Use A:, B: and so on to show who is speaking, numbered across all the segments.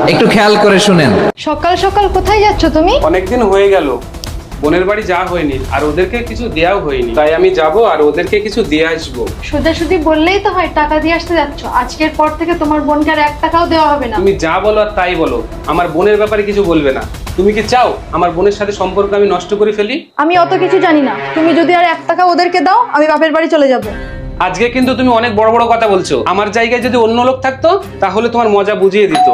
A: একটু খেয়াল করে শুনেন।
B: সকাল সকাল কোথায় যাচ্ছ তুমি?
C: অনেকদিন হয়ে গেল বোনের বাড়ি যাওয়া হয়নি, আর ওদেরকে কিছু দেওয়াও হয়নি, তাই আমি যাব আর ওদেরকে কিছু দিয়ে আসবো।
B: সোজাসুজি বললেই তো হয়, টাকা দিয়ে আসতে যাচ্ছ। আজকের পর থেকে তোমার বোনকে আর 1 টাকাও দেওয়া হবে না।
C: তুমি যা বলো আর তাই বলো, আমার বোনের ব্যাপারে কিছু বলবে না। তুমি কি চাও আমার বোনের সাথে সম্পর্ক আমি নষ্ট করে ফেলি?
B: আমি অত কিছু জানি না। তুমি যদি আর 1 টাকা ওদেরকে দাও, আমি বাপের বাড়ি চলে যাব।
C: আজকে কিন্তু তুমি অনেক বড় বড় কথা বলছো। আমার জায়গায় যদি অন্য লোক থাকতো তাহলে তোমার মজা বুঝিয়ে দিত।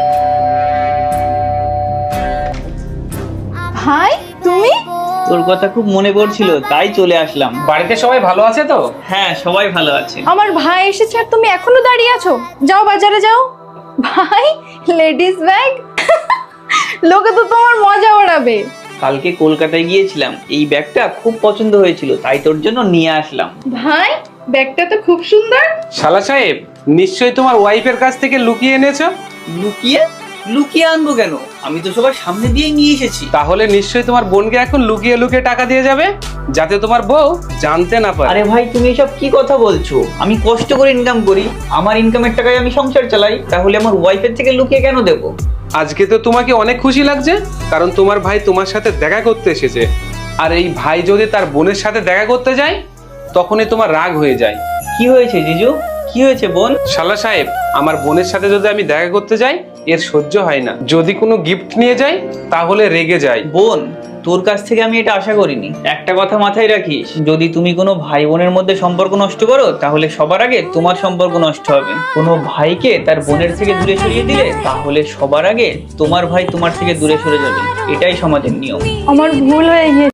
B: ভাই তুমি?
D: তোর কথা খুব মনে পড়ছিল, তাই চলে আসলাম।
C: বাড়িতে সবাই ভালো আছে তো?
D: হ্যাঁ, সবাই ভালো আছে।
B: আমার ভাই এসেছে আর তুমি এখনো দাঁড়িয়ে আছো? যাও বাজারে যাও। ভাই, লেডিস ব্যাগ। লোকে তো তোমার মজা ওড়াবে।
D: কালকে কলকাতায় গিয়েছিলাম, এই ব্যাগটা খুব পছন্দ হয়েছিল, তাই তোর জন্য নিয়ে আসলাম।
B: ভাই, ব্যাগটা তো খুব সুন্দর।
C: শালা সাহেব, নিশ্চয়ই তোমার ওয়াইফের কাছ থেকে লুকিয়ে এনেছো।
D: লুকিয়ে লুকিয়ে আনবো কেন? আমি তো সবার সামনে দিয়ে নিয়ে এসেছি।
C: তাহলে নিশ্চয়ই তোমার বোনকে এখন লুকিয়ে লুকিয়ে টাকা দিয়ে যাবে, যাতে তোমার বউ জানতে না পারে।
D: আরে ভাই, তুমি এসব কি কথা বলছো? আমি কষ্ট করে ইনকাম করি, আমার ইনকামের টাকায় আমি সংসার চালাই, তাহলে আমার ওয়াইফের থেকে লুকিয়ে কেন দেবো?
C: আজকে তো তোমাকে অনেক খুশি লাগছে, কারণ তোমার ভাই তোমার সাথে দেখা করতে এসেছে। আর এই ভাই যদি তার বোনের সাথে দেখা করতে যায়, তখনই তোমার রাগ হয়ে যায়।
D: কি হয়েছে জিজু? কি হয়েছে বোন?
C: শালা সাহেব, আমার বোনের সাথে যদি আমি দেখা করতে যাই, এর সহ্য হয় না। যদি কোনো গিফট নিয়ে যাই তাহলে রেগে যায়।
D: বোন, তোর কাছ থেকে আমি এটা আশা করিনি। একটা কথা মাথায় রাখিস, যদি তুমি কোনো ভাই বোনের মধ্যে সম্পর্ক নষ্ট করো, তাহলে সবার আগে তোমার সম্পর্ক নষ্ট হবে। কোনো ভাইকে তার বোনের থেকে দূরে সরিয়ে দিলে, তাহলে সবার আগে তোমার ভাই তোমার থেকে দূরে সরে যাবে। এটাই সমাজের নিয়ম।
B: আমার ভুল হয়ে গিয়েছে।